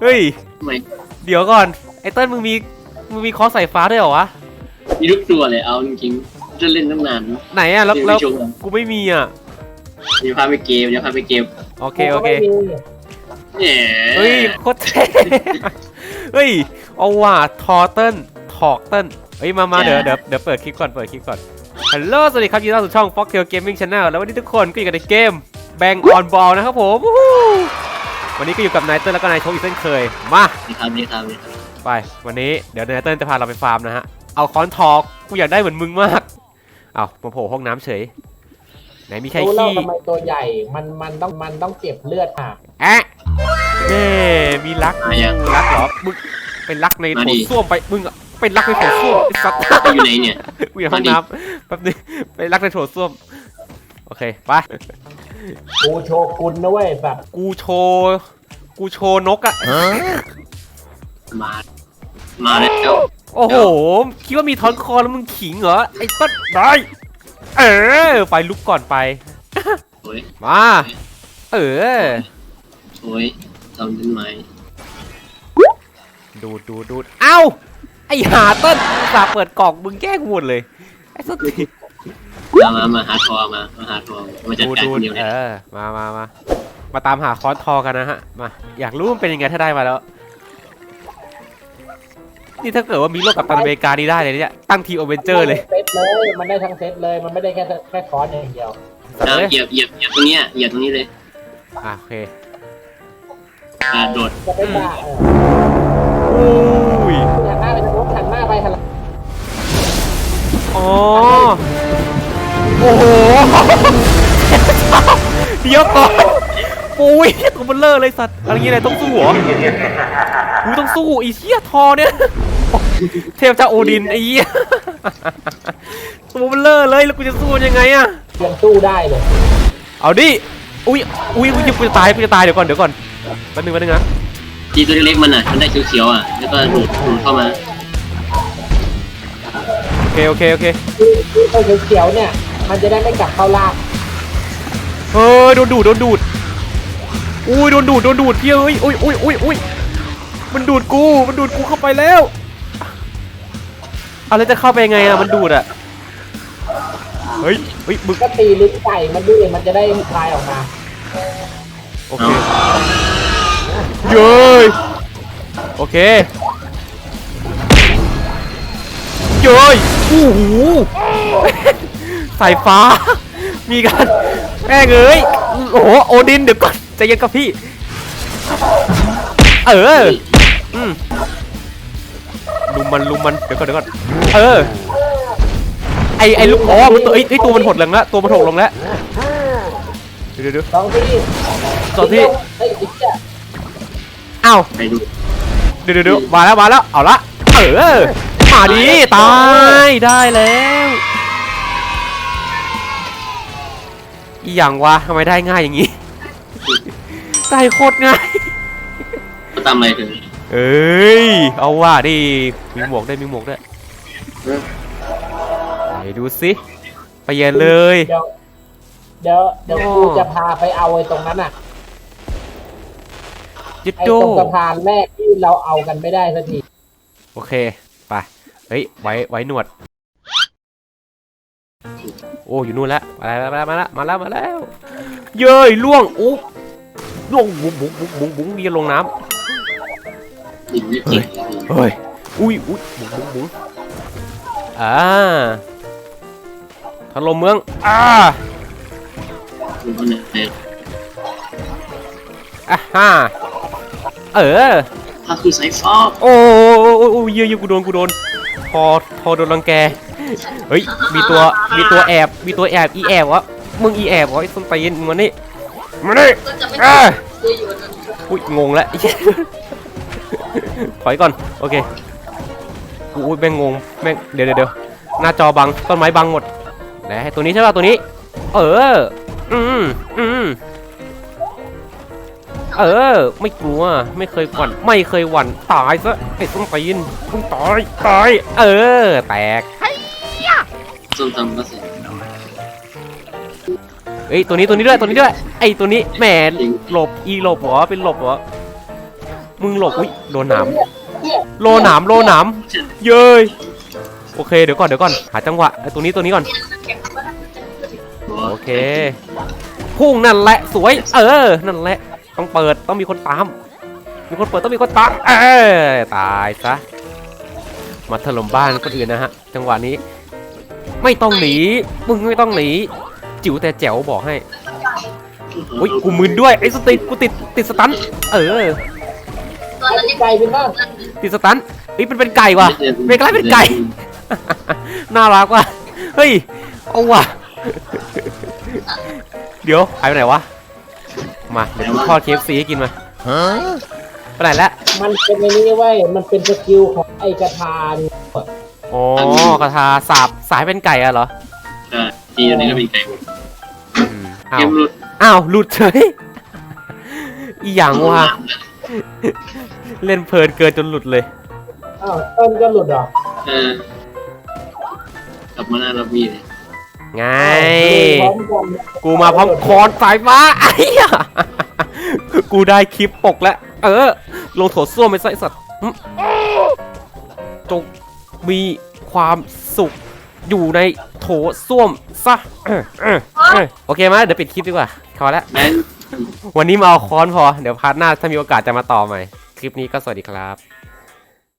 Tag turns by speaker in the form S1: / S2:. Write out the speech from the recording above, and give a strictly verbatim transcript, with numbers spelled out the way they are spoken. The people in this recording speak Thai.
S1: เฮ้ย
S2: ทำไม
S1: เดี๋ยวก่อนไอ้เติ้ลมึงมีมึงมีคอร์สสายฟ้าด้วยเหรอวะ
S2: มีทุกตัวเลยเอาจริงๆจะเล่นตั้งนาน
S1: ไหนอะแล้วแล้ว
S2: เดี๋ยวไปชม
S1: กูไม่มีอะ
S2: เดี๋ยวพาไปเกมเดี๋ยวพาไปเกม
S1: โอเคโอเค
S2: แหม
S1: เฮ้ยโคตรเท่เฮ้ยเอาว่ะทอเติ้ลทอกเติ้ลเฮ้ยมามาเดี๋ยวเดี๋ยวเดี๋ยวเปิดคลิปก่อนเปิดคลิปก่อนฮัลโหลสวัสดีครับยินดีต้อนรับสู่ช่อง Foxtail Gaming Channel แล้ววันนี้ทุกคนก็อยู่กันในเกม Bang on Ball นะครับผมวันนี้ก็อยู่กับนายเติ้ลแล้วก็นายโชคอีกเช่นเคยมา
S2: นี่ครับนี่ครับนี่ครับ
S1: ไปวันนี้เดี๋ยวนายเติ้ลจะพาเราไปฟาร์มนะฮะเอาค้อนทอกกูอยากได้เหมือนมึงมากเอามาโผล่ห้องน้ำเฉยไหนมีใคร
S3: รู้แล้ว
S1: ขี้
S3: ทำไมตัวใหญ่ มันมันต้องมันต้องเก็บเลือดอ่ะ
S1: แอะเน่มีรักรักเหรอมึงเป็นรักในโถส้วมไปมึงเป็นรักในโถส้วมไอ้สัตว์
S2: อยู่ไหนเนี่ย
S1: กูอยู่ห้องน้ำแป๊บนึงเป็นรักในโถส้วมโอเคไป
S3: กูโชกุนนะเว้ยแบบ
S1: กูโชว์กูโชว์นกอะ
S2: มามาแล้ว
S1: โอ้โหคิดว่ามีท้อนคอแล้วมึงขิงเหรอไอ้ต้นได้เออไฟลุกก่อนไป
S2: โอ้ย
S1: มาเออ
S2: โอ้ยทำเป็นไหม
S1: ดูดดูดดูดเอ้าไอ้หาเต้นอุตส่าห์เปิดกล่องมึงแกล้งหมดเลยไอ้สติ
S2: มามามาหาทอมามาหาทอมาจัด
S1: ดู
S2: การ
S1: ดู
S2: คนเดียว
S1: เอ
S2: เนี่ย
S1: อมามามามาตามหาคอร์สทอกันนะฮะมาอยากรู้มันเป็นยังไงถ้าได้มาแล้วนี่ถ้าเกิดว่ามีโลกกับตันอเมริกานี่ได้เลยเนี่ยตั้งทีมอเวนเจอร์เลย
S3: เซตเลย มันได้ทั้งเซตเลย มันไม่ได้แค่แค่คอร์สอย่างเดียว
S2: เอาเหยียบเหยียบเหยียบตรงเนี้ยเหยียบตรงนี้เลย
S1: อ่ะโอเค
S2: อ่าโดด
S3: จะเป็นบ้าเออ
S1: อุ้ย
S3: หันหน้าไปทางโน้นหันหน้าไปหันหลัง
S1: อ๋อโอ้โหเดี๋ยวก่อนปุ้ยตัวเบลเลอร์เลยสัตว์อะไรเงี้ยอะไรต้องสู้เหรอกูต้องสู้ไอ้เหี้ยทอเนี่ยเทพเจ้าโอดินไอ้เหี้ยตัวเบลเลอร์เลยแล้วกูจะสู้ยังไงอะ
S3: เตรียมสู้ได้เลย
S1: เอาดิอุ้ยอุ้ยอุ้ยกูจะตายกูจะตายเดี๋ยวก่อนเดี๋ยวก่อนแป๊บนึงแป๊บนึงนะ
S2: ทีตัวเล็กๆมันอ่ะมันได้เขียวๆอ่ะแล้วก็ดูดดูดเข้ามา
S1: โอเคโอเคโอเค
S3: ตัวเขียวๆเนี่ย มันจะได้ไม่กลับเข้าล่าง
S1: เฮ้ยโดนดูดโดนดูดอุ้ยโดนดูดโดนดูดพี่เอ้ยอุ้ยอุ้ยอุ้ยอุ้ยมันดูดกูมันดูดกูเข้าไปแล้วเอาแล้วจะเข้าไปยังไงอะมันดูดอะเฮ้ยเฮ้ยมึง
S3: ก็ตีลิ้นไก่มันด้วยมันจะได้คลายออกมา
S1: โอเคเย้ยโอเคเย้ยโอ้โหสายฟ้ามีกันแม่งเอ้ยโอ้โหโอดินเดี๋ยวก่อนใจเย็นกับพี่เอออืมลุมมันลุมมันเดี๋ยวก่อนเดี๋ยวก่อนเออไอไอลูกอ๋อมันตัวไอตัวมันหดลงแล้วตัวมันหดลงแล้วเดี๋ยวเดี๋ยว
S3: สองที่
S1: สองที่
S3: เฮ้ยอีกเนี่ย
S1: อ้าว
S2: ไปดู
S1: เดี๋ยวเดี๋ยวมาแล้วมาแล้วเอาละเออมาดิตายได้แล้วอีหยังวะทำไมได้ง่ายอย่างงี้ได้โคตรง่าย
S2: เขาทำอะไรถึง
S1: เอ้ยเอาว่าดิมีหมวกได้วยมีหมวกได้วยไหนดูสิไปเย็นเลย
S3: เดี๋ยวเดี๋ยวเดี๋ยวกูจะพาไปเอาไอ้ตรงนั้นอ่ะ
S1: ยึด
S3: ไอ้
S1: โด
S3: ตรงสะพานแรกที่เราเอากันไม่ได้สักที
S1: โอเคไปเฮ้ยไว้ไว้หนวดโอ้อยู่นู่นแล้วมาแล้วมาแล้วมาแล้วมาแล้วมาแล้วเย้ยล่วงอุ๊ล่วงบุ๋งบุ๋งบุ๋งบุ๋งบุ๋งเรียนลงน้ำ
S2: อีกนิดเดียว
S1: เฮ้ยอุ้ยอุ้ยบุ๋งบุ๋งบุ๋งอ่าถล่มเมืองอ่า
S2: ดูคนไหน
S1: อ่ะฮ่าเออ
S2: ถ้าคือสายฟ้า
S1: โอ้โอ้โอ้เยอะเยอะกูโดนกูโดนพอพอโดนรังแกเฮ้ยมีตัวมีตัวแอบมีตัวแอบอีแอบวะมึงอีแอบวะไอ้ส้นตีนมึงมานี่มานี่อ่าอุ้ยงงแล้ว ถอยก่อนโอเคอุ้ยแม่งงงแม่งเดี๋ยวเดี๋ยวหน้าจอบังต้นไม้บังหมดไหนตัวนี้ใช่ป่ะตัวนี้เอออืมอืมเออไม่กลัวไม่เคยหวั่นไม่เคยหวั่นตายซะไอ้ส้นตีนมึงตายตายเออแตก
S2: ส้มตำก็เสร็จ
S1: เอ้ยตัวนี้ตัวนี้ด้วยตัวนี้ด้วยไอ้ตัวนี้แหมหลบอีหลบเหรอเป็นหลบเหรอมึงหลบอุ้ยโดนหนามโลหนามโลหนามเย้ยโอเคเดี๋ยวก่อนเดี๋ยวก่อนหาจังหวะไอ้ตัวนี้ตัวนี้ก่อนโอเคพุ่งนั่นแหละสวยเออนั่นแหละต้องเปิดต้องมีคนตามมีคนเปิดต้องมีคนตามเออตายซะมาถล่มบ้านคนอื่นนะฮะจังหวะนี้ไม่ต้องหนีมึงไม่ต้องหนีจิ๋วแต่แจ๋วบอกให้อุ้ยกูมึนด้วยไอ้สติกูติดติดสตันเออ
S3: ไก่เป็นบ้าง
S1: ติดสตันเฮ้ยเป็นเป็นไก่ว่ะเป็นกลายเป็นไก่น่ารักว่ะเฮ้ยเอาว่ะเดี๋ยวหายไปไหนวะมาเดี๋ยวกูทอด เค เอฟ ซี ให้กินมาไปไหนแล้ว
S3: มันเป็นไอ้นี่เว้ยมันเป็นสกิลของไอ้กระทาน
S1: อ๋อกระทาสาบสายเป็นไก่อะเหรอ
S2: ใช่ทีนี้ก็เป็นไก่หมด
S1: อืมอ้า
S2: เก
S1: ว
S2: มหลุด
S1: อ้าวหลุดเฉยอีหยังวะเล่นเพลินเกินจนหลุดเลย
S3: อ้าวต้นก็หลุดเหรอ
S2: เออกลับมาหน้ารับมีเลย
S1: ไง
S3: พร้อมกัน
S1: กูมาพร้อมคอนสายฟ้าไอ้เหี้ยกูได้คลิปปกแล้ว เออ ลงโถส้วมไปไส้สัตว์หึจงมีความสุขอยู่ในโถส้วมซะเออเออเออโอเคไหมเดี๋ยวปิดคลิปดีกว่าพอแล้ว
S2: แบง
S1: วันนี้มาเอาค้อนพอ เดี๋ยวพาร์ทหน้าถ้ามีโอกาสจะมาต่อใหม่ คลิปนี้ก็สวัสดีครับ